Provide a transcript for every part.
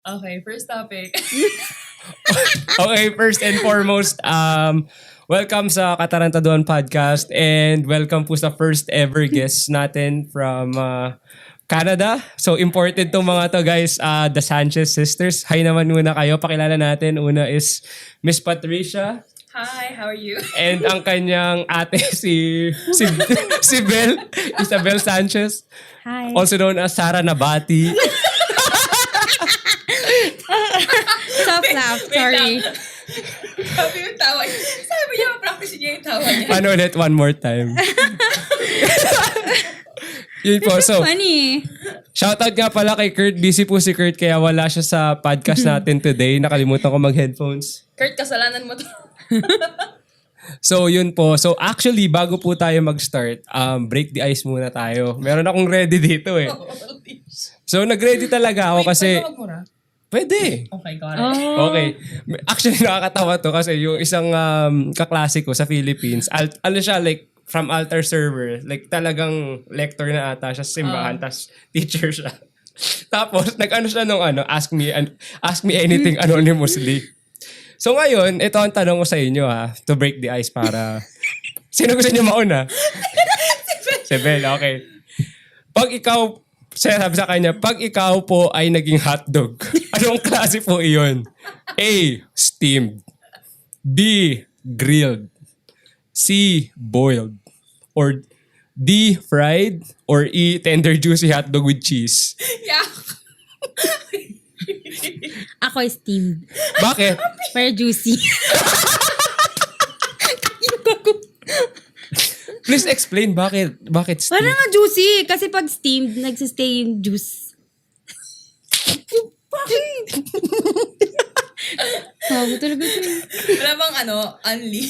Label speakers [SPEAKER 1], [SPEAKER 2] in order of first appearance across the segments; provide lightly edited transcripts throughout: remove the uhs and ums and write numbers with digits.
[SPEAKER 1] Okay, first topic.
[SPEAKER 2] Okay, first and foremost, welcome sa Katarantaduhan Podcast and welcome po sa first ever guest natin from Canada. So imported tong mga to guys, the Sanchez sisters. Hi naman muna kayo, pakilala natin. Una is Miss Patricia.
[SPEAKER 1] Hi, how are you?
[SPEAKER 2] And ang kanyang ate si Bel, Isabel Sanchez.
[SPEAKER 3] Hi.
[SPEAKER 2] Also known as Sara Nabati.
[SPEAKER 3] Stop laugh. Sorry.
[SPEAKER 1] Sabi yung tawa niya. Sabi niya, practice niya yung tawa niya.
[SPEAKER 2] Ano ulit? One more time. Yun po. So,
[SPEAKER 3] Funny.
[SPEAKER 2] shoutout nga pala kay Kurt. Busy po si Kurt kaya wala siya sa podcast natin today. Nakalimutan ko mag-headphones.
[SPEAKER 1] Kurt, kasalanan mo to.
[SPEAKER 2] So, yun po. So, actually, bago po tayo mag-start, break the ice muna tayo. Meron akong ready dito eh. So, nag-ready talaga ako kasi...
[SPEAKER 1] Pwede magmura?
[SPEAKER 2] Pwede.
[SPEAKER 1] Okay, got it.
[SPEAKER 3] Oh.
[SPEAKER 2] Okay. Actually, nakakatawa to kasi yung isang kaklase ko sa Philippines, ano siya, like, from altar server. Like, talagang lector na ata siya sa simbahan, tas teacher siya. Tapos, nag-ano siya nung ask me anything anonymously. So ngayon, ito ang tanong ko sa inyo to break the ice para... Sino gusto niyo mauna? Si Bel, okay. Pag ikaw, sabi sa kanya, pag ikaw po ay naging hotdog, anong klase po iyon? A. Steamed. B. Grilled. C. Boiled. Or D. Fried. Or E. Tender juicy hotdog with cheese.
[SPEAKER 1] Yeah.
[SPEAKER 3] Ako is steamed.
[SPEAKER 2] Bakit?
[SPEAKER 3] Pero juicy.
[SPEAKER 2] Please explain bakit steamed.
[SPEAKER 3] Parang nga juicy. Kasi pag steamed, nagsistay yung juice. Bakit? Sabi talaga ito.
[SPEAKER 1] Wala bang unli?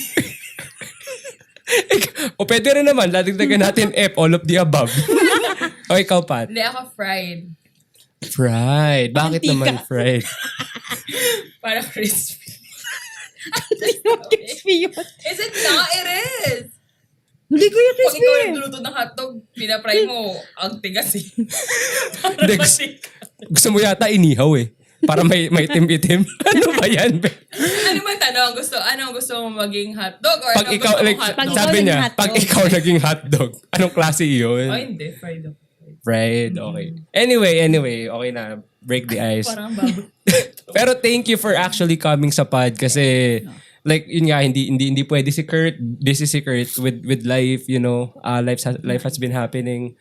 [SPEAKER 2] O pwede rin naman, ladagdagan natin F, all of the above. O ikaw, Pat?
[SPEAKER 1] Hindi, ako fried.
[SPEAKER 2] Fried. Bakit naman fried?
[SPEAKER 1] Para crispy.
[SPEAKER 3] Crispy yun.
[SPEAKER 1] Is it not? It is.
[SPEAKER 3] Hindi ko yung
[SPEAKER 1] Pag
[SPEAKER 3] crispy.
[SPEAKER 1] ikaw nagluluto ng hotdog, pinapry mo, ang tigas eh.
[SPEAKER 2] Hindi, gusto mo yata inihaw eh. Para may itim-itim. Ano ba yan?
[SPEAKER 1] Ano man tanong? Ano gusto mo maging hotdog? Or
[SPEAKER 2] Pag ikaw,
[SPEAKER 1] gusto mo
[SPEAKER 2] like,
[SPEAKER 1] hotdog?
[SPEAKER 3] Pag ikaw
[SPEAKER 2] sabi
[SPEAKER 3] naging
[SPEAKER 2] niya,
[SPEAKER 3] hotdog.
[SPEAKER 2] pag ikaw naging hotdog, anong klase yun?
[SPEAKER 1] Oh, hindi. Fried ako.
[SPEAKER 2] Fried, okay. Anyway, okay na. Break the ice.
[SPEAKER 1] Parang baboy.
[SPEAKER 2] Pero thank you for actually coming sa pod kasi like yun nga hindi pwede si Kurt, busy si Kurt with life, you know. Life has been happening.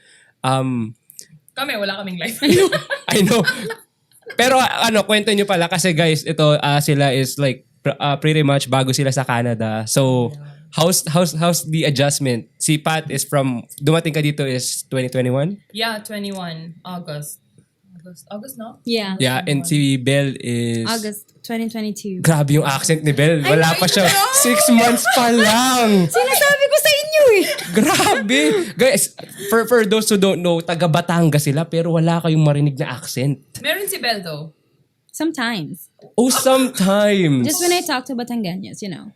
[SPEAKER 1] Kami, wala kaming life.
[SPEAKER 2] I know. Pero kwento nyo pala kasi guys, ito sila is like pretty much bago sila sa Canada. So how's the adjustment? Si Pat is dumating ka dito is 2021?
[SPEAKER 1] Yeah, 21. August, no?
[SPEAKER 3] Yeah.
[SPEAKER 2] Yeah, and si Bel is
[SPEAKER 3] August 2022.
[SPEAKER 2] Grabe yung accent ni Bel. Wala pa siya. 6 months pa lang.
[SPEAKER 3] Sinasabi ko sa inyo eh.
[SPEAKER 2] Grabe. Guys, for those who don't know, taga Batangas sila pero wala kayong marinig na accent.
[SPEAKER 1] Meron si Bel though.
[SPEAKER 3] Sometimes.
[SPEAKER 2] Oh, sometimes.
[SPEAKER 3] Just when I talk to Batangueños, you know.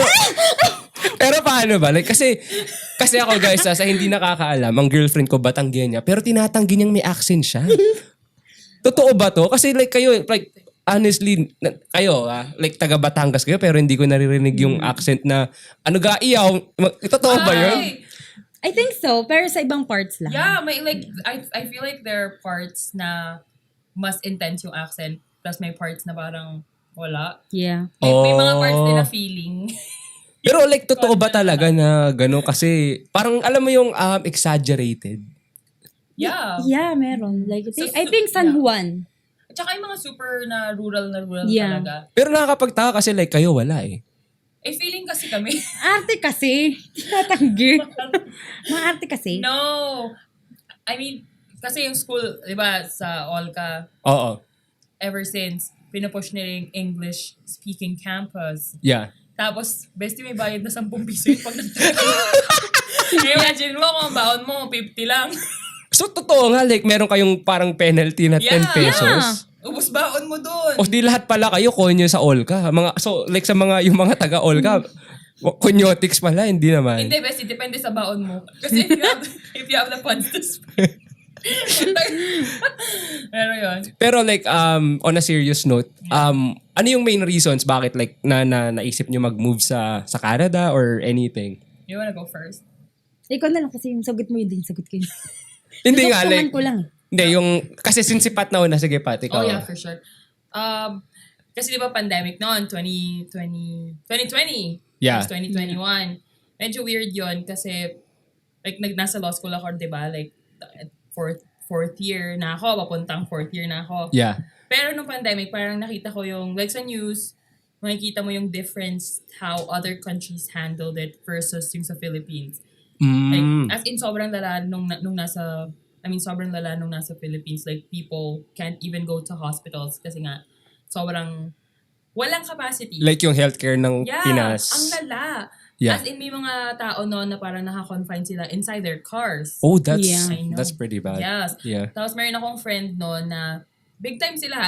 [SPEAKER 2] Pero paano ba? Like, kasi ako guys, sa hindi nakakaalam, ang girlfriend ko Batangueña, pero tinatanggi niyang may accent siya. Totoo ba to? Kasi like kayo, like honestly, kayo, like taga Batangas kayo, pero hindi ko naririnig yung accent na ga iyaw. Totoo ba yun?
[SPEAKER 1] Ay,
[SPEAKER 3] I think so, pero sa ibang parts lang.
[SPEAKER 1] yeah, may like, I feel like there are parts na mas intense yung accent, plus may parts na parang wala.
[SPEAKER 3] Yeah.
[SPEAKER 1] May mga parts din na
[SPEAKER 2] Oh.
[SPEAKER 1] feeling.
[SPEAKER 2] Pero like, totoo ba talaga na gano'n? Kasi parang alam mo yung exaggerated.
[SPEAKER 1] Yeah.
[SPEAKER 3] Yeah, meron. Like,
[SPEAKER 1] So,
[SPEAKER 3] I think San Juan.
[SPEAKER 1] At saka yung mga super na rural
[SPEAKER 3] Yeah.
[SPEAKER 1] talaga.
[SPEAKER 2] Pero nakakapagtaka kasi like kayo wala eh.
[SPEAKER 1] Feeling kasi kami.
[SPEAKER 3] Arte kasi. Tatanggi. Maarte kasi.
[SPEAKER 1] No. I mean, kasi yung school, di ba, sa Olca,
[SPEAKER 2] Oo.
[SPEAKER 1] ever since, pinupush nila yung English-speaking campus.
[SPEAKER 2] Yeah.
[SPEAKER 1] Tapos, bestie, may bayad na 10 piso yung pag imagine mo kung ang baon mo, 50 lang.
[SPEAKER 2] So, totoo nga, like, meron kayong parang penalty na 10 pesos.
[SPEAKER 1] Ubus baon mo dun.
[SPEAKER 2] O di lahat pala kayo konyo sa Olca. So, like sa yung mga taga Olca, konyotics pala, hindi naman.
[SPEAKER 1] Hindi, bestie, depende sa baon mo. Kasi if you have the funds to spend. Pero yun.
[SPEAKER 2] Pero like, on a serious note, ano yung main reasons bakit like naisip nyo mag-move sa Canada or anything?
[SPEAKER 1] You wanna go first?
[SPEAKER 3] Ikaw na lang kasi yung sagot mo yun din, sagot ko yun.
[SPEAKER 2] Hindi nga, like,
[SPEAKER 3] Natuktungan ko lang.
[SPEAKER 2] hindi, kasi since si Pat na una, sige Pat, ikaw.
[SPEAKER 1] Oh yeah, for sure. Kasi di ba pandemic noon, 2020.
[SPEAKER 2] Yeah.
[SPEAKER 1] Tapos 2021. Medyo weird yon kasi like nasa law school ako, di ba? Like fourth year na ako, papuntang fourth year na ako.
[SPEAKER 2] Yeah.
[SPEAKER 1] Pero nung pandemic, parang nakita ko yung, like sa news, makikita mo yung difference how other countries handled it versus yung sa Philippines. Like, as in sobrang lala nung nasa Philippines. Like, people can't even go to hospitals kasi nga, sobrang walang capacity.
[SPEAKER 2] Like yung healthcare ng Pinas.
[SPEAKER 1] Ang lala.
[SPEAKER 2] Yeah.
[SPEAKER 1] As in, may mga tao noon na parang naka-confine sila inside their cars.
[SPEAKER 2] Oh, that's
[SPEAKER 3] Yeah.
[SPEAKER 1] I know.
[SPEAKER 2] that's pretty bad.
[SPEAKER 1] Yes.
[SPEAKER 2] Yeah.
[SPEAKER 1] Tapos meron akong friend noon na big time sila.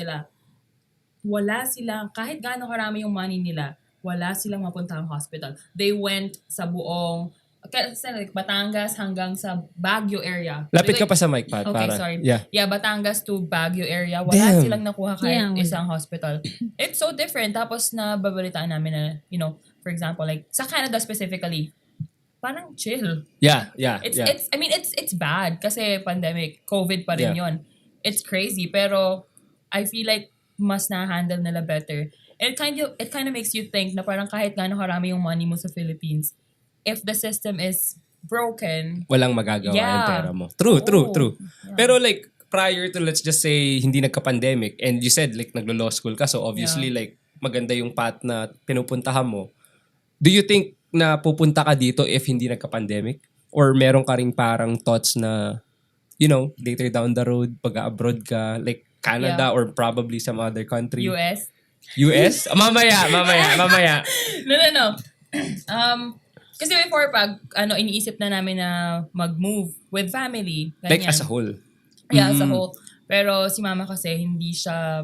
[SPEAKER 1] Wala silang, kahit gaano karami yung money nila, wala silang mapuntahang hospital. They went sa buong, like Batangas hanggang sa Baguio area.
[SPEAKER 2] Lapit ka
[SPEAKER 1] Like,
[SPEAKER 2] pa sa mic, Pat.
[SPEAKER 1] okay,
[SPEAKER 2] para.
[SPEAKER 1] sorry.
[SPEAKER 2] Yeah.
[SPEAKER 1] Yeah, Batangas to Baguio area. Wala
[SPEAKER 2] Damn.
[SPEAKER 1] silang nakuha kahit
[SPEAKER 3] Yeah, wala.
[SPEAKER 1] isang hospital. It's so different. Tapos nababalitaan namin na, for example, like sa Canada specifically, parang chill.
[SPEAKER 2] Yeah.
[SPEAKER 1] It's bad kasi pandemic, COVID pa rin
[SPEAKER 2] Yeah.
[SPEAKER 1] yon. It's crazy pero I feel like mas na-handle nila better. And it kind of makes you think na parang kahit gaano karami yung money mo sa Philippines, if the system is broken,
[SPEAKER 2] Walang magagawa
[SPEAKER 1] Yeah.
[SPEAKER 2] yung pera mo. True.
[SPEAKER 1] Yeah.
[SPEAKER 2] Pero like, prior to, let's just say, hindi nagka-pandemic, and you said like naglo-law school ka, so obviously like, maganda yung path na pinupuntahan mo. Do you think na pupunta ka dito if hindi nagka-pandemic? Or meron ka ring parang thoughts na, later down the road, pag-abroad ka, like Canada
[SPEAKER 1] Yeah.
[SPEAKER 2] or probably some other country?
[SPEAKER 1] US.
[SPEAKER 2] US? Mamaya.
[SPEAKER 1] No. Kasi before iniisip na namin na mag-move with family. Ganyan.
[SPEAKER 2] Like as a whole.
[SPEAKER 1] Yeah, as a whole. Pero si mama kasi hindi siya,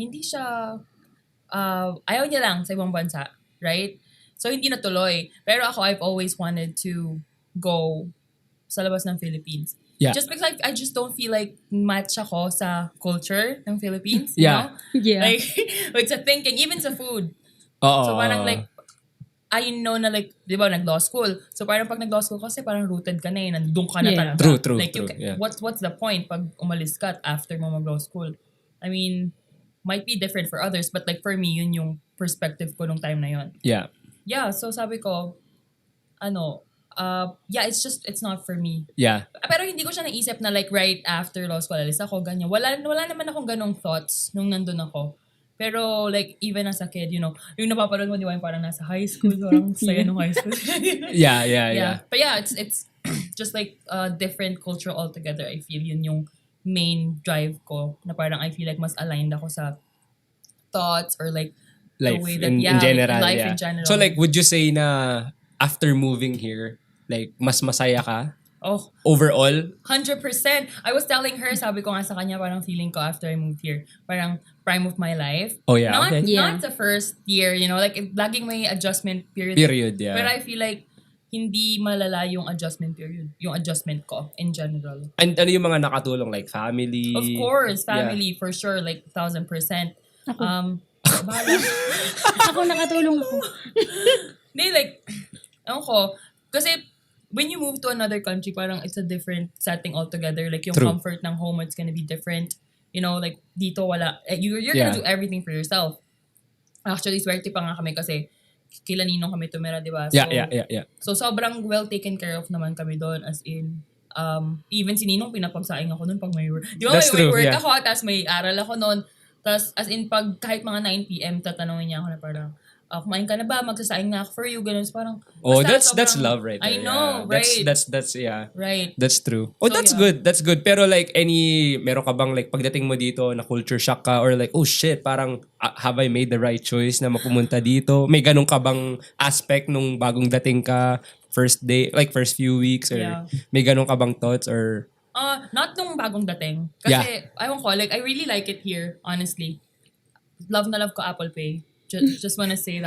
[SPEAKER 1] ayaw niya lang sa ibang bansa. Right? So, hindi natuloy. Pero ako, I've always wanted to go sa labas ng Philippines.
[SPEAKER 2] Yeah.
[SPEAKER 1] Just because I just don't feel like match ako sa culture ng Philippines.
[SPEAKER 2] Yeah.
[SPEAKER 3] Yeah.
[SPEAKER 1] Like, with sa thinking, even sa food.
[SPEAKER 2] Oo.
[SPEAKER 1] So, parang like, I know na like, di ba, nag-law school. So, parang pag nag-law school kasi parang rooted ka na nandun ka na
[SPEAKER 3] Yeah.
[SPEAKER 1] talaga.
[SPEAKER 2] True,
[SPEAKER 1] Like,
[SPEAKER 2] yeah.
[SPEAKER 1] what's the point pag umalis ka at after mo mag-law school? I mean, might be different for others, but like for me, yun yung perspective ko nung time na yun.
[SPEAKER 2] Yeah.
[SPEAKER 1] Yeah, so sabi ko, it's not for me.
[SPEAKER 2] Yeah.
[SPEAKER 1] Pero hindi ko siya naisip na like right after law school, alis ako, ganyan. Wala naman akong ganong thoughts nung nandun ako. Pero like, even as a kid, yung napapanood mo, di ba, yung parang nasa high school, parang saya nung high school.
[SPEAKER 2] Yeah.
[SPEAKER 1] But yeah, it's just like a different culture altogether. I feel yun yung main drive ko, na parang I feel like mas aligned ako sa thoughts or like
[SPEAKER 2] Life
[SPEAKER 1] the way that,
[SPEAKER 2] in
[SPEAKER 1] like,
[SPEAKER 2] general.
[SPEAKER 1] life
[SPEAKER 2] Yeah.
[SPEAKER 1] in general.
[SPEAKER 2] So like, would you say na after moving here, like, mas masaya ka?
[SPEAKER 1] Oh,
[SPEAKER 2] Overall?
[SPEAKER 1] 100%. I was telling her, sabi ko nga sa kanya, parang feeling ko after I moved here, parang prime of my life.
[SPEAKER 2] Oh yeah,
[SPEAKER 1] Not,
[SPEAKER 2] okay.
[SPEAKER 3] Yeah.
[SPEAKER 1] not the first year, like laging may adjustment period.
[SPEAKER 2] Period, yeah.
[SPEAKER 1] But I feel like hindi malala yung adjustment period, yung adjustment ko in general.
[SPEAKER 2] And ano yung mga nakatulong? Like family?
[SPEAKER 1] Of course, family for sure, like 1,000%. Bahala.
[SPEAKER 3] Ako nakatulong ako.
[SPEAKER 1] Hindi, like, ewan ko, kasi when you move to another country, parang it's a different setting altogether. Like, yung
[SPEAKER 2] True.
[SPEAKER 1] comfort ng home, it's gonna be different. Like, dito wala. You're
[SPEAKER 2] Yeah.
[SPEAKER 1] gonna do everything for yourself. Actually, swerte pa nga kami kasi kila Ninong kami tumira, di ba? So,
[SPEAKER 2] Yeah.
[SPEAKER 1] So, sobrang well taken care of naman kami doon. As in, even si Ninong, pinapagsaing ako noon pag may work. Di ba,
[SPEAKER 2] That's
[SPEAKER 1] may
[SPEAKER 2] true,
[SPEAKER 1] work
[SPEAKER 2] yeah.
[SPEAKER 1] ako, tapos may aral ako noon. Tapos, as in, pag kahit mga 9 p.m., tatanungin niya ako na parang, kumain ka na ba? Magsasaing na ako for you. Ganun. So, parang,
[SPEAKER 2] Oh,
[SPEAKER 1] basta
[SPEAKER 2] that's
[SPEAKER 1] sobrang-
[SPEAKER 2] love right there.
[SPEAKER 1] I know,
[SPEAKER 2] yeah.
[SPEAKER 1] right?
[SPEAKER 2] That's yeah.
[SPEAKER 1] Right.
[SPEAKER 2] That's true. Oh,
[SPEAKER 1] So,
[SPEAKER 2] that's
[SPEAKER 1] yeah.
[SPEAKER 2] good. That's good. Pero like, meron ka bang like, pagdating mo dito, na culture shock ka? Or like, oh shit, parang, have I made the right choice na mapumunta dito? May ganun ka bang aspect nung bagong dating ka, first day, like first few weeks? Or
[SPEAKER 1] Yeah.
[SPEAKER 2] may ganun ka bang thoughts? Or,
[SPEAKER 1] Not nung bagong dating. Kasi, ayaw ko, like, I really like it here, honestly. Love na love ko Apple Pay. Just wanna say that.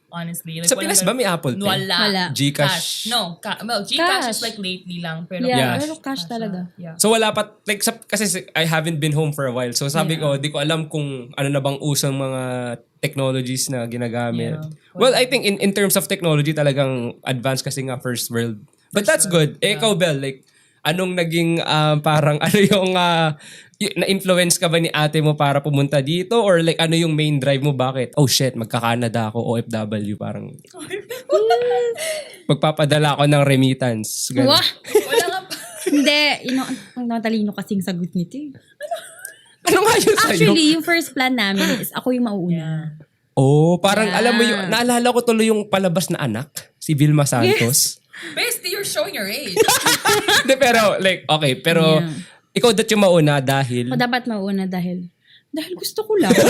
[SPEAKER 1] Honestly. Like,
[SPEAKER 2] Sa Pinas ba may Apple Pay?
[SPEAKER 1] Wala.
[SPEAKER 2] Gcash?
[SPEAKER 1] No. Gcash
[SPEAKER 3] Cash.
[SPEAKER 1] is like lately lang. Pero
[SPEAKER 2] Yeah.
[SPEAKER 3] Pero cash talaga.
[SPEAKER 1] Yeah.
[SPEAKER 2] So wala pa, like, kasi I haven't been home for a while. So sabi ko, di ko alam kung ano na bang usang mga technologies na ginagamit.
[SPEAKER 1] Yeah.
[SPEAKER 2] Well, I think in terms of technology, talagang advanced kasi nga first world. But that's good. Ikaw, Bel, like, anong naging parang ano yung na-influence ka ba ni ate mo para pumunta dito? Or like ano yung main drive mo? Bakit? Oh shit, magka-Canada ako, OFW. Parang magpapadala ako ng remittance. Ganun.
[SPEAKER 3] Wah!
[SPEAKER 1] Wala nga pa.
[SPEAKER 3] Hindi. Ang natalino kasing sagot nito eh.
[SPEAKER 2] Ano nga yun sa'yo?
[SPEAKER 3] Actually, yung first plan namin is ako yung mauuna.
[SPEAKER 2] Oh, parang
[SPEAKER 3] Yeah.
[SPEAKER 2] alam mo yung, naalala ko tuloy yung palabas na anak, si Vilma Santos.
[SPEAKER 1] Bestie, you're showing your age.
[SPEAKER 2] Hindi, pero like, okay, pero
[SPEAKER 3] Yeah.
[SPEAKER 2] ikaw dat yung mauna dahil,
[SPEAKER 3] O dapat mauuna dahil gusto ko lang.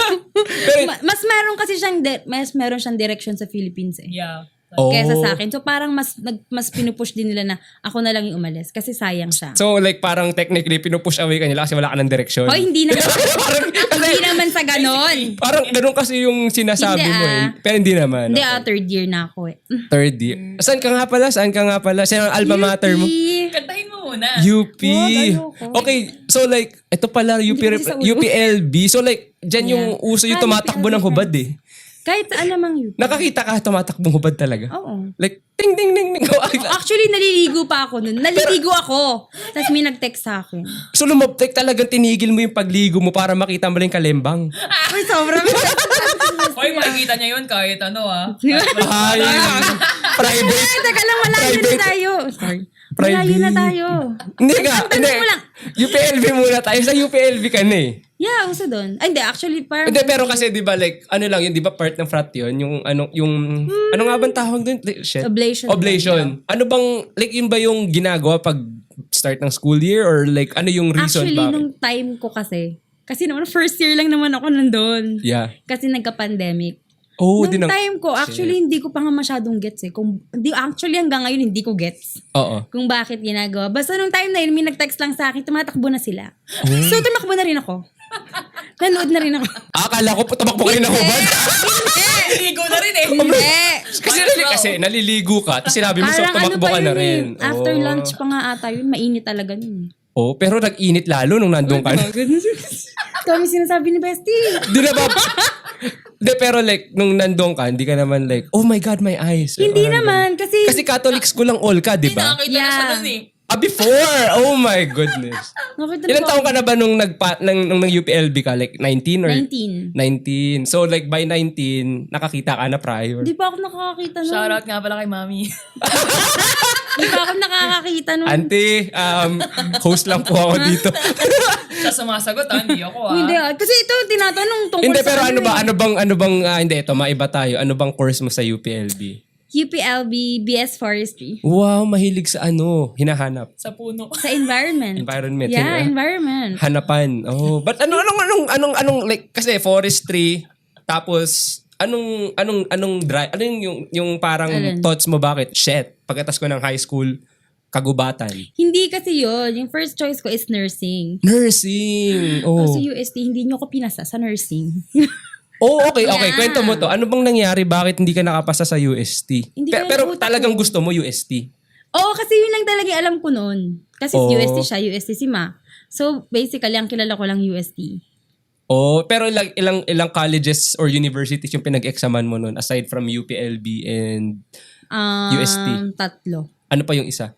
[SPEAKER 2] pero,
[SPEAKER 3] Mas meron kasi siyang direction sa Philippines eh.
[SPEAKER 1] Yeah.
[SPEAKER 2] oh,
[SPEAKER 3] Kesa sa akin. So parang mas pinupush din nila na ako na lang yung umalis kasi sayang siya.
[SPEAKER 2] so like parang technically pinupush away ka nila kasi wala ka ng direksyon.
[SPEAKER 3] Hoy, hindi naman. Hindi naman sa ganon.
[SPEAKER 2] Parang ganun kasi yung sinasabi
[SPEAKER 3] Hindi,
[SPEAKER 2] mo eh. Pero hindi naman.
[SPEAKER 3] Hindi
[SPEAKER 2] Okay.
[SPEAKER 3] third year na ako eh.
[SPEAKER 2] Third year. Saan ka nga pala? Sino ang alma mater mo?
[SPEAKER 1] Kantahin mo muna.
[SPEAKER 2] UP.
[SPEAKER 3] ayoko.
[SPEAKER 2] Okay, so like, ito pala
[SPEAKER 3] Hindi kasi sa ulo.
[SPEAKER 2] UPLB. So like, dyan yung uso yung tumatakbo ng hubad eh.
[SPEAKER 3] Kahit saan namang yun.
[SPEAKER 2] Nakakita ka tumatakbong hubad talaga?
[SPEAKER 3] Oo.
[SPEAKER 2] Like, ting ting ting ting.
[SPEAKER 3] Actually, naliligo pa ako nun. Naliligo ako. Tapos may nag-text sa akin.
[SPEAKER 2] So lumabtek talagang tinigil mo yung pagligo mo para makita mo lang yung kalembang.
[SPEAKER 3] Uy, sobrang.
[SPEAKER 1] Hoy, makikita niya yun kahit ano
[SPEAKER 2] Ay, private.
[SPEAKER 3] Teka lang, malayo na tayo. Sorry. Malayo na tayo.
[SPEAKER 2] Hindi nga.
[SPEAKER 3] Ang tanong mo lang.
[SPEAKER 2] UPLB muna tayo. Sa UPLB ka na eh.
[SPEAKER 3] Yeah, uso doon. Ay, hindi. Actually, parang...
[SPEAKER 2] Hindi, pero kasi di ba like, ano lang yun, di ba part ng frat yun? Ano nga bang tawag doon? Like, shit.
[SPEAKER 3] Oblation.
[SPEAKER 2] Oblation. Ano bang, like yun ba yung ginagawa pag start ng school year? Or like, ano yung reason
[SPEAKER 3] Actually,
[SPEAKER 2] bakit?
[SPEAKER 3] nung time ko kasi naman, first year lang naman ako nandun.
[SPEAKER 2] Yeah.
[SPEAKER 3] Kasi nagka-pandemic.
[SPEAKER 2] Oh,
[SPEAKER 3] Nung time ko, actually, hindi ko pa nga masyadong gets eh. Actually, hanggang ngayon, hindi ko gets.
[SPEAKER 2] Oo.
[SPEAKER 3] Kung bakit ginagawa. Basta nung time na yun, may nag-text lang sa akin, tumatakbo na sila.
[SPEAKER 2] Oh.
[SPEAKER 3] So, tumakbo na rin ako. Nanood na rin ako.
[SPEAKER 2] Akala ko tumakbo kayo ng hubad.
[SPEAKER 1] Naliligo na rin eh.
[SPEAKER 3] Hindi.
[SPEAKER 2] Kasi naliligo ka, tapos sinabi mo so
[SPEAKER 3] Parang
[SPEAKER 2] tumakbo
[SPEAKER 3] pa
[SPEAKER 2] ka na
[SPEAKER 3] yun
[SPEAKER 2] rin.
[SPEAKER 3] eh. After
[SPEAKER 2] Oh.
[SPEAKER 3] lunch pa nga ata yun, mainit talaga yun eh.
[SPEAKER 2] Oh, pero nag-init lalo nung nandun ka.
[SPEAKER 3] Kami sinasabi ni Bestie.
[SPEAKER 2] Di na ba? Di, pero like, nung nandun ka, hindi ka naman like, oh my God, my eyes.
[SPEAKER 3] Hindi
[SPEAKER 2] Or,
[SPEAKER 3] naman, kasi...
[SPEAKER 2] Kasi Catholic school lang all ka, di
[SPEAKER 1] Hindi,
[SPEAKER 2] ba?
[SPEAKER 1] nakakita na siya nun eh.
[SPEAKER 2] Before! Oh my goodness.
[SPEAKER 3] Nakita
[SPEAKER 2] Ilan
[SPEAKER 3] ko-
[SPEAKER 2] taon ka na ba nung nung UPLB ka? Like 19 or?
[SPEAKER 3] 19.
[SPEAKER 2] 19. So like by 19, nakakita ka na prior.
[SPEAKER 3] Di pa ako nakakakita nun.
[SPEAKER 1] Shoutout nga pala kay Mami.
[SPEAKER 3] Di pa ako nakakakita nun.
[SPEAKER 2] Auntie, host lang po ako dito.
[SPEAKER 1] Siya sumasagot hindi ako
[SPEAKER 3] Hindi kasi ito tinatanong tungkol
[SPEAKER 2] Hindi,
[SPEAKER 3] sa
[SPEAKER 2] pero ano ba?
[SPEAKER 3] eh.
[SPEAKER 2] Ano bang, hindi, ito, maiba tayo. Ano bang course mo sa UPLB?
[SPEAKER 3] UPLB BS Forestry.
[SPEAKER 2] Wow, mahilig sa hinahanap.
[SPEAKER 1] sa puno.
[SPEAKER 3] Sa environment.
[SPEAKER 2] Environment.
[SPEAKER 3] Yeah,
[SPEAKER 2] Hina-
[SPEAKER 3] environment.
[SPEAKER 2] Hanapan. Oh, but anong like kasi forestry tapos anong drive ano yung parang
[SPEAKER 3] Alin?
[SPEAKER 2] thoughts mo bakit shit pagkatapos ko ng high school kagubatan.
[SPEAKER 3] Hindi kasi yun. Yung first choice ko is nursing.
[SPEAKER 2] Nursing. Oh.
[SPEAKER 3] Kasi UST, hindi nyo ko pinasa sa nursing.
[SPEAKER 2] Oh, okay.
[SPEAKER 3] Yeah.
[SPEAKER 2] Kwento mo to. Ano bang nangyari? Bakit hindi ka nakapasa sa UST?
[SPEAKER 3] Hindi ko
[SPEAKER 2] Pero
[SPEAKER 3] alam,
[SPEAKER 2] talagang
[SPEAKER 3] utak ko.
[SPEAKER 2] gusto mo UST?
[SPEAKER 3] Oo, kasi yun lang talaga yung alam ko noon. Kasi
[SPEAKER 2] Oh.
[SPEAKER 3] UST siya, UST si Ma. So, basically, ang kilala ko lang UST.
[SPEAKER 2] Oh, pero ilang colleges or universities yung pinag-examan mo nun aside from UPLB and UST?
[SPEAKER 3] 3.
[SPEAKER 2] Ano pa yung isa?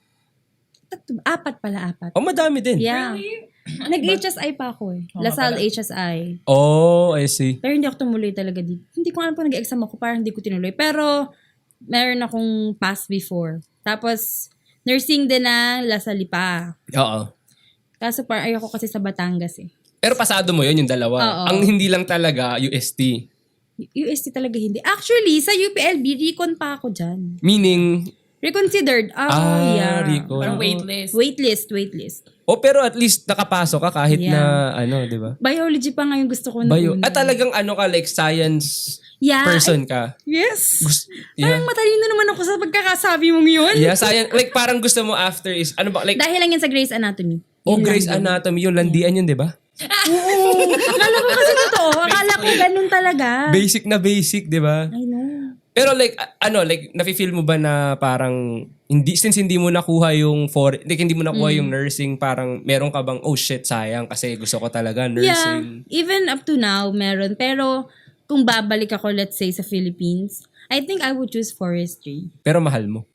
[SPEAKER 3] 4 pala.
[SPEAKER 2] Oh, madami din.
[SPEAKER 3] Yeah. Nag-HSI pa ako eh. Lasal HSI.
[SPEAKER 2] Oh, I see.
[SPEAKER 3] Pero hindi ako tumuloy talaga dito. Hindi ko alam kung nag-exam ako, parang hindi ko tinuloy. Pero, meron akong pass before. Tapos, nursing din na Lasal pa.
[SPEAKER 2] Oo.
[SPEAKER 3] Kaso parang ayoko kasi sa Batangas eh.
[SPEAKER 2] Pero pasado mo yun, yung dalawa.
[SPEAKER 3] Oo.
[SPEAKER 2] Ang hindi lang talaga, UST.
[SPEAKER 3] UST talaga hindi. Actually, sa UPLB, recon pa ako dyan.
[SPEAKER 2] Meaning,
[SPEAKER 3] Reconsidered. Yeah.
[SPEAKER 2] recon.
[SPEAKER 1] Parang waitlist.
[SPEAKER 3] Waitlist.
[SPEAKER 2] Oh, pero at least nakapasok ka kahit na, di ba?
[SPEAKER 3] Biology pa nga yung gusto ko na
[SPEAKER 2] Bio.
[SPEAKER 3] una.
[SPEAKER 2] At talagang like science
[SPEAKER 3] Yeah.
[SPEAKER 2] person ka.
[SPEAKER 3] Yes.
[SPEAKER 2] Yeah.
[SPEAKER 3] Parang matalino naman ako sa pagkakasabi mong yun.
[SPEAKER 2] Yeah, science. Like parang gusto mo after is, ano ba? Like,
[SPEAKER 3] Dahil lang yan sa Grey's Anatomy.
[SPEAKER 2] oh,
[SPEAKER 3] Yun lang
[SPEAKER 2] Grey's
[SPEAKER 3] yun.
[SPEAKER 2] Anatomy, yung landian yun, di ba?
[SPEAKER 3] Oo. Akala ko kasi totoo. Akala ko ganun talaga.
[SPEAKER 2] Basic na basic, di ba?
[SPEAKER 3] I know.
[SPEAKER 2] Pero like, like, nafe-feel mo ba na parang, since hindi mo nakuha yung hindi mo nakuha yung nursing, parang meron ka bang, oh shit, sayang kasi gusto ko talaga nursing.
[SPEAKER 3] Yeah, even up to now, meron. Pero kung babalik ako, let's say, sa Philippines, I think I would choose forestry.
[SPEAKER 2] Pero mahal mo.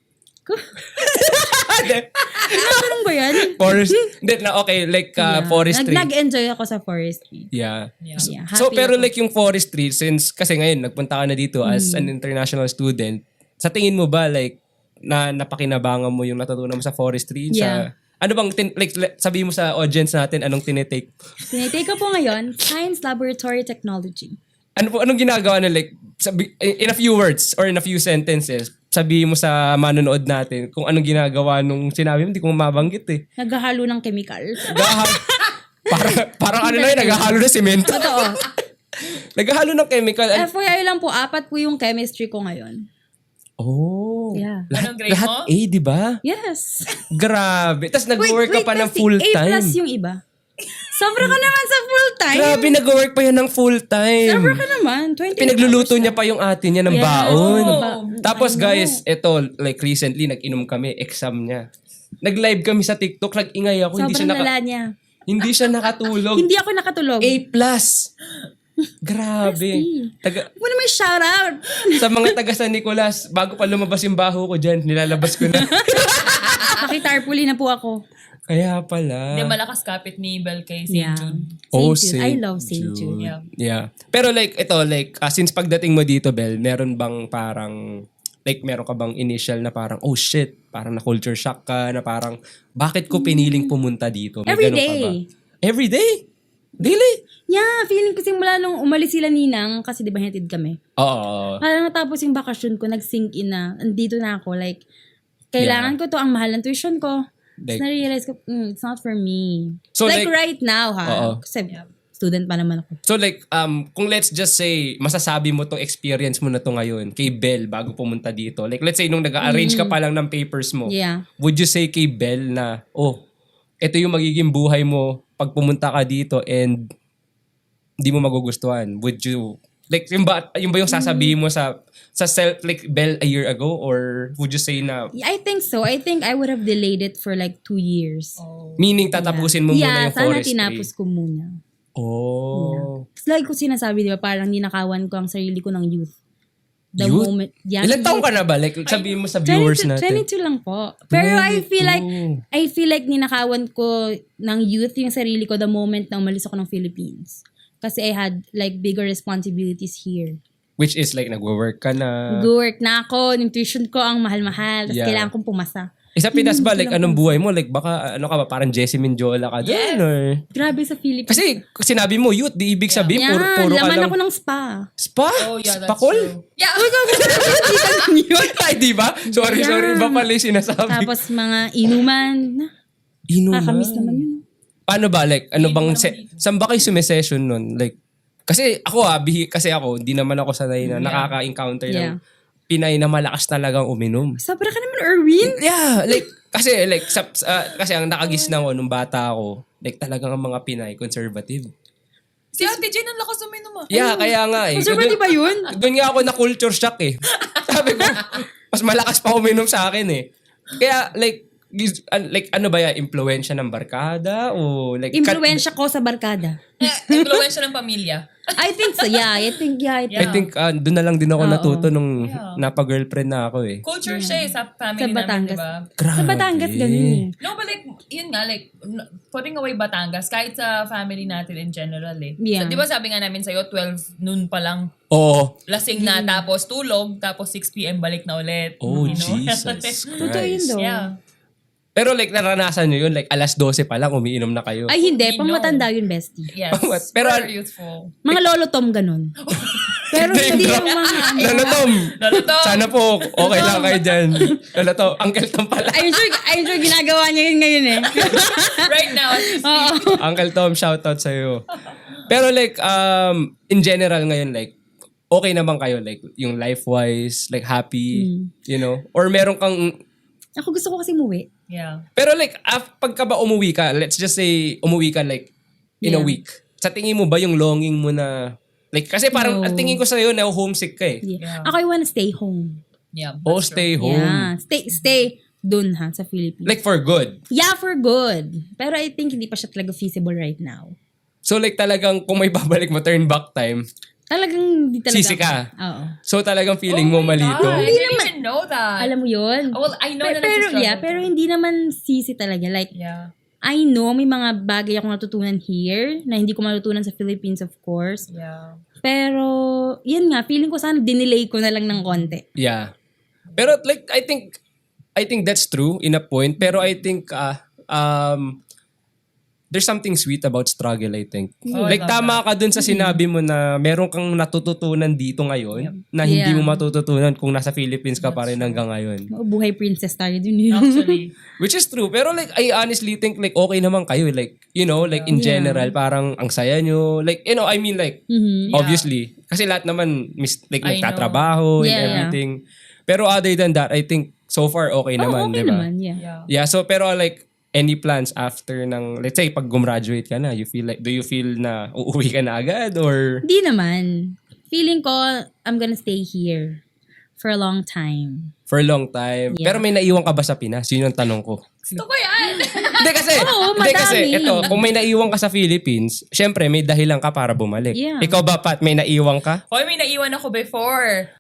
[SPEAKER 3] Ganun ba yan?
[SPEAKER 2] Forestry.
[SPEAKER 3] Nag-enjoy ako sa forestry.
[SPEAKER 2] Yeah.
[SPEAKER 3] Yeah,
[SPEAKER 2] So,
[SPEAKER 3] happy
[SPEAKER 2] pero
[SPEAKER 3] ako.
[SPEAKER 2] like yung forestry, since kasi ngayon, nagpunta ka na dito as an international student, sa tingin mo ba, like, na napakinabangan mo yung natutunan mo sa forestry?
[SPEAKER 3] Yeah.
[SPEAKER 2] Ano bang, sabihin mo sa audience natin, anong tinitake?
[SPEAKER 3] Tinitake ko po ngayon, Science Laboratory Technology.
[SPEAKER 2] Anong ginagawa na like, in a few words or in a few sentences, sabihin mo sa manonood natin kung anong ginagawa nung sinabi mo, hindi ko mabanggit eh.
[SPEAKER 3] Naghahalo ng chemicals.
[SPEAKER 2] Parang ano na yun, naghahalo ng semento.
[SPEAKER 3] Totoo.
[SPEAKER 2] Naghahalo ng chemical.
[SPEAKER 3] FYI lang po, 4 po yung chemistry ko ngayon.
[SPEAKER 2] Oh.
[SPEAKER 3] Yeah.
[SPEAKER 1] Anong grade
[SPEAKER 2] Lahat
[SPEAKER 1] mo?
[SPEAKER 2] A, di ba?
[SPEAKER 3] Yes.
[SPEAKER 2] Grabe. Tapos nag-work ka pa ng
[SPEAKER 3] kasi
[SPEAKER 2] full
[SPEAKER 3] A
[SPEAKER 2] time.
[SPEAKER 3] plus yung iba. Sobra ka naman sa full time.
[SPEAKER 2] Grabe, nag-work pa yan ng full time.
[SPEAKER 3] Sobra ka naman. 28
[SPEAKER 2] Pinagluluto
[SPEAKER 3] hours
[SPEAKER 2] niya
[SPEAKER 3] na.
[SPEAKER 2] pa yung ate niya ng
[SPEAKER 3] Yes.
[SPEAKER 2] baon.
[SPEAKER 1] Oh.
[SPEAKER 2] Tapos
[SPEAKER 3] I know.
[SPEAKER 2] guys, ito, like recently, nag-inom kami, exam niya. Nag-live kami sa TikTok, nag-ingay ako.
[SPEAKER 3] Sobrang lala niya.
[SPEAKER 2] Hindi siya nakatulog.
[SPEAKER 3] Hindi ako nakatulog.
[SPEAKER 2] A+. Grabe.
[SPEAKER 3] Huwag mo naman shout out.
[SPEAKER 2] Sa mga taga San Nicolas, bago pa lumabas yung baho ko dyan, nilalabas ko na.
[SPEAKER 3] Pakitarpuli na po ako.
[SPEAKER 2] Kaya pala.
[SPEAKER 1] Hindi, malakas kapit ni Bel kay St.
[SPEAKER 3] Yeah.
[SPEAKER 1] Jude.
[SPEAKER 3] St. Jude. I love St. Jude.
[SPEAKER 1] Yeah.
[SPEAKER 2] Pero like, ito, like, since pagdating mo dito, Bel, meron bang parang, like, meron ka bang initial na parang, oh shit, parang na-culture shock ka, na parang, bakit ko piniling pumunta dito? May
[SPEAKER 3] Every
[SPEAKER 2] ganun ka
[SPEAKER 3] day.
[SPEAKER 2] ba? Every day? Daily?
[SPEAKER 3] Yeah, feeling ko simula nung umalis sila ninang, kasi di ba hinatid kami.
[SPEAKER 2] Oo.
[SPEAKER 3] Parang natapos yung bakasyon ko, nag-sink in na, andito na ako, like, kailangan ko to, ang mahal ng tuition ko.
[SPEAKER 2] Like,
[SPEAKER 3] Tapos na-realize ko, it's not for me.
[SPEAKER 2] So,
[SPEAKER 3] like,
[SPEAKER 2] like,
[SPEAKER 3] right now, ha?
[SPEAKER 2] Oo.
[SPEAKER 3] Kasi student pa naman ako.
[SPEAKER 2] so like, kung let's just say, masasabi mo tong experience mo na to ngayon, kay Bel, bago pumunta dito. Like, let's say, nung nag-arrange ka pa lang ng papers mo,
[SPEAKER 3] Yeah.
[SPEAKER 2] would you say kay Bel na, oh, ito yung magiging buhay mo pag pumunta ka dito and hindi mo magugustuhan? Would you, like, yung ba yung sasabihin mo sa self, like, Bel a year ago? Or would you say na,
[SPEAKER 3] I think so. I think I would have delayed it for like 2 years.
[SPEAKER 2] meaning tatapusin mo muna yung
[SPEAKER 3] sana
[SPEAKER 2] forestry?
[SPEAKER 3] tinapos ko muna.
[SPEAKER 2] Oh.
[SPEAKER 3] It's like ko sinasabi, di ba, parang ninakawan ko ang sarili ko ng youth. The
[SPEAKER 2] Youth?
[SPEAKER 3] moment. Yeah,
[SPEAKER 2] Ilan taong ka na ba? Like, sabihin mo sa viewers
[SPEAKER 3] 22,
[SPEAKER 2] natin.
[SPEAKER 3] 22 lang po. Pero I feel like ninakawan ko ng youth yung sarili ko the moment na umalis ako ng Philippines. Kasi I had like bigger responsibilities here.
[SPEAKER 2] Which is like, nagwo-work ka na.
[SPEAKER 3] Go-work na ako, yung tuition ko ang mahal-mahal, tapos
[SPEAKER 2] Yeah.
[SPEAKER 3] kailangan kong pumasa.
[SPEAKER 2] Sa Pinas ba, like, anong buhay mo? Like, baka, ano ka ba, parang Jessie Minjola ka doon?
[SPEAKER 1] Yes.
[SPEAKER 2] Or...
[SPEAKER 3] Grabe sa Philippines.
[SPEAKER 2] Kasi, sinabi mo, youth, di ibig sabihin,
[SPEAKER 3] Yan,
[SPEAKER 2] puro ka
[SPEAKER 3] laman
[SPEAKER 2] lang.
[SPEAKER 3] ako ng spa.
[SPEAKER 2] Spa?
[SPEAKER 1] Oh, yeah, that's
[SPEAKER 2] Spakol?
[SPEAKER 1] true. Yeah.
[SPEAKER 2] Ay, di ba? Sorry,
[SPEAKER 3] Yeah.
[SPEAKER 2] sorry. Iba pala yung sinasabi.
[SPEAKER 3] Tapos mga inuman.
[SPEAKER 2] Inuman.
[SPEAKER 3] Nakakamiss naman yun.
[SPEAKER 2] Paano ba? Like, ano bang,
[SPEAKER 1] naman dito.
[SPEAKER 2] saan ba kayo sumisession nun? Like, kasi ako kasi ako, hindi naman ako sanay na nakaka-encounter ng Pinay na malakas talagang uminom.
[SPEAKER 3] Sobra ka naman, Erwin.
[SPEAKER 2] Yeah, like, kasi kasi ang nakagisnan ko nung bata ako, like talagang ang mga Pinay, conservative.
[SPEAKER 1] Si Ate Jane, ang lakas uminom ah.
[SPEAKER 2] Yeah, kaya nga eh.
[SPEAKER 3] Conservative ba yun?
[SPEAKER 2] Doon nga ako na culture shock eh. Sabi ko, mas malakas pa uminom sa akin eh. Kaya like ano ba yan? Impluensya ng barkada? O like...
[SPEAKER 3] Impluensya ko sa barkada.
[SPEAKER 1] Impluensya ng pamilya.
[SPEAKER 3] I think so, yeah. I think
[SPEAKER 2] I think doon na lang din ako
[SPEAKER 3] Oo.
[SPEAKER 2] natuto nung napa-girlfriend na ako eh.
[SPEAKER 1] Culture siya eh, sa family
[SPEAKER 3] Sa
[SPEAKER 1] namin,
[SPEAKER 3] Batangas.
[SPEAKER 1] di ba?
[SPEAKER 2] Grabe.
[SPEAKER 3] Sa Batangas, ganun eh.
[SPEAKER 1] No, but like, yun nga, like, putting away Batangas, kahit sa family natin in general eh.
[SPEAKER 3] Yeah.
[SPEAKER 1] So, di ba sabi nga namin sa'yo, 12 noon pa lang,
[SPEAKER 2] Oo.
[SPEAKER 1] lasing na, tapos tulog, tapos 6 p.m. balik na ulit.
[SPEAKER 2] Oh,
[SPEAKER 1] You know?
[SPEAKER 2] Jesus
[SPEAKER 3] Totoo yun
[SPEAKER 2] Christ.
[SPEAKER 3] daw.
[SPEAKER 1] Yeah.
[SPEAKER 2] Pero like, naranasan nyo yun, like alas 12 pa lang, umiinom na kayo.
[SPEAKER 3] Ay, hindi.
[SPEAKER 1] We
[SPEAKER 3] Pang
[SPEAKER 1] know.
[SPEAKER 3] matanda yun, bestie.
[SPEAKER 1] Yes.
[SPEAKER 2] Pero-
[SPEAKER 1] Super youthful.
[SPEAKER 3] Mga lolo Tom, ganun. Pero hindi yung mga...
[SPEAKER 2] Lolo Tom!
[SPEAKER 1] Lolo Tom!
[SPEAKER 2] Sana po, okay lang kayo dyan. Lolo Tom, Uncle Tom pala.
[SPEAKER 3] I'm sure ginagawa niya yun ngayon eh.
[SPEAKER 1] Right now, at least.
[SPEAKER 2] Uncle Tom, shoutout sa'yo. Pero like, in general ngayon, like, okay naman kayo, like, yung life-wise, like, happy, you know? Or meron kang...
[SPEAKER 3] Ako gusto ko kasi umuwi.
[SPEAKER 1] Yeah.
[SPEAKER 2] Pero like, pagka ba umuwi ka, let's just say, umuwi ka like, in a
[SPEAKER 3] Yeah.
[SPEAKER 2] week. Sa tingin mo ba yung longing mo na Like, kasi parang
[SPEAKER 3] No.
[SPEAKER 2] ang tingin ko sa'yo, na-homesick ka eh.
[SPEAKER 3] Yeah.
[SPEAKER 1] Yeah.
[SPEAKER 3] Ako, I wanna stay home.
[SPEAKER 1] Yeah.
[SPEAKER 2] O
[SPEAKER 1] that's
[SPEAKER 2] stay
[SPEAKER 1] true.
[SPEAKER 2] home.
[SPEAKER 3] Yeah. Stay dun ha, sa Philippines.
[SPEAKER 2] Like, for good.
[SPEAKER 3] Yeah, for good. Pero I think hindi pa siya talaga feasible right now.
[SPEAKER 2] So, like, talagang kung may babalik mo, turn back time,
[SPEAKER 3] Talagang hindi talaga.
[SPEAKER 2] sisi ka.
[SPEAKER 3] Oo.
[SPEAKER 2] So, talagang feeling
[SPEAKER 1] Oh
[SPEAKER 2] mo
[SPEAKER 1] my
[SPEAKER 2] malito.
[SPEAKER 1] God, I didn't even know that.
[SPEAKER 3] Alam mo yun?
[SPEAKER 1] Well, I know that
[SPEAKER 3] pero,
[SPEAKER 1] it's a struggle.
[SPEAKER 3] pero hindi naman sisi talaga. Like,
[SPEAKER 1] Yeah.
[SPEAKER 3] I know may mga bagay akong natutunan here na hindi ko matutunan sa Philippines, of course.
[SPEAKER 1] Yeah.
[SPEAKER 3] Pero, yun nga, feeling ko sana dinelay ko na lang ng konti.
[SPEAKER 2] Yeah. Pero like I think that's true in a point, pero I think there's something sweet about struggle, I think.
[SPEAKER 1] Oh, I
[SPEAKER 2] Like
[SPEAKER 1] love
[SPEAKER 2] tama ka dun sa sinabi mo na meron kang natututunan dito ngayon na hindi
[SPEAKER 3] Yeah.
[SPEAKER 2] mo matututunan kung nasa Philippines ka pa rin hanggang ngayon.
[SPEAKER 3] Buhay princess tayo dun yun.
[SPEAKER 1] Actually.
[SPEAKER 2] Which is true. Pero like, I honestly think like okay naman kayo. Like, you know, like in
[SPEAKER 3] Yeah.
[SPEAKER 2] general, parang ang saya nyo. Like, you know, I mean like,
[SPEAKER 3] Mhm.
[SPEAKER 2] obviously. Kasi lahat naman, like,
[SPEAKER 1] I know.
[SPEAKER 2] nagtatrabaho and
[SPEAKER 3] Yeah.
[SPEAKER 2] everything. Pero other than that, I think so far okay
[SPEAKER 3] Oh,
[SPEAKER 2] naman,
[SPEAKER 3] okay
[SPEAKER 2] di ba?
[SPEAKER 3] naman, yeah.
[SPEAKER 1] Yeah.
[SPEAKER 2] Yeah, so pero like, any plans after ng, let's say, pag gumraduate ka na, do you feel na uuwi ka na agad or?
[SPEAKER 3] Hindi naman. Feeling ko, I'm gonna stay here for a long time.
[SPEAKER 2] For a long time.
[SPEAKER 3] Yeah.
[SPEAKER 2] Pero may naiwan ka ba sa Pinas? Yun ang tanong ko.
[SPEAKER 1] Gusto ko yan.
[SPEAKER 2] Hindi kasi,
[SPEAKER 3] Oo,
[SPEAKER 2] hindi kasi,
[SPEAKER 3] madami.
[SPEAKER 2] ito, kung may naiwan ka sa Philippines, syempre may dahilan ka para bumalik.
[SPEAKER 3] Yeah.
[SPEAKER 2] Ikaw ba, Pat, may naiwan ka?
[SPEAKER 1] Hoy, may naiwan ako before.